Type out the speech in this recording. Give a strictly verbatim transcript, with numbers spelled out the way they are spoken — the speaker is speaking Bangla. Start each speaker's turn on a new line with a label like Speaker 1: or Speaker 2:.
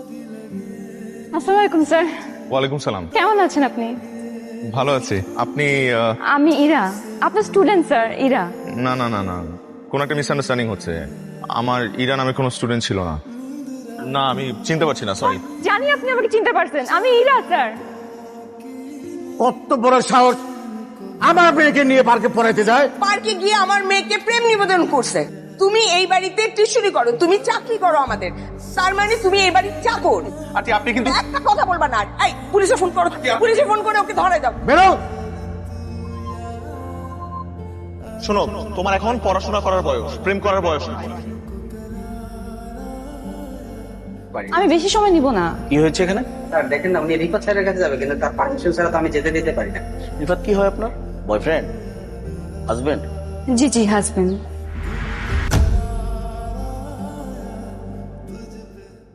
Speaker 1: আসসালামু আলাইকুম স্যার।
Speaker 2: ওয়ালাইকুম সালাম।
Speaker 1: কেমন আছেন আপনি?
Speaker 2: ভালো আছি। আপনি আহ,
Speaker 1: আমি ইরা, আপনার স্টুডেন্ট স্যার, ইরা।
Speaker 2: না না না না কোনো একটা মিসআন্ডারস্ট্যান্ডিং হচ্ছে। আমার ইরা নামে কোনো স্টুডেন্ট ছিল না। না আমি চিনতে পারছি না, সরি।
Speaker 1: জানি আপনি আমাকে চিনতে পারছেন, আমি ইরা স্যার।
Speaker 3: কত বড় সাহস আমার মেয়েকে নিয়ে পার্কে পড়াইতে যায়।
Speaker 4: পার্কে গিয়ে আমার মেয়েকে প্রেম নিবেদন করছে। তুমি এই বাড়িতে টিউশনি করো, তুমি চাকরি করো আমাদের, তার মানে তুমি এই বাড়ির চাকর।
Speaker 2: আচ্ছা আপনি কিন্তু
Speaker 4: একটা কথা বলবা না। এই পুলিশে ফোন করো, পুলিশে ফোন করে ওকে ধরে দাও।
Speaker 3: বেরো।
Speaker 2: শোনো, তোমার এখন পড়াশোনা করার বয়স, প্রেম করার বয়স না।
Speaker 1: আমি বেশি সময় নিব না।
Speaker 5: কি হয়েছে এখানে?
Speaker 6: স্যার দেখেন না, উনি রিফাত স্যারের কাছে যাবে, কিন্তু তার পারমিশন ছাড়া তো আমি যেতে দিতে পারি না।
Speaker 5: রিফাত কি হয় আপনার? বয়ফ্রেন্ড? হাজবেন্ড?
Speaker 1: জি জি হাজবেন্ড।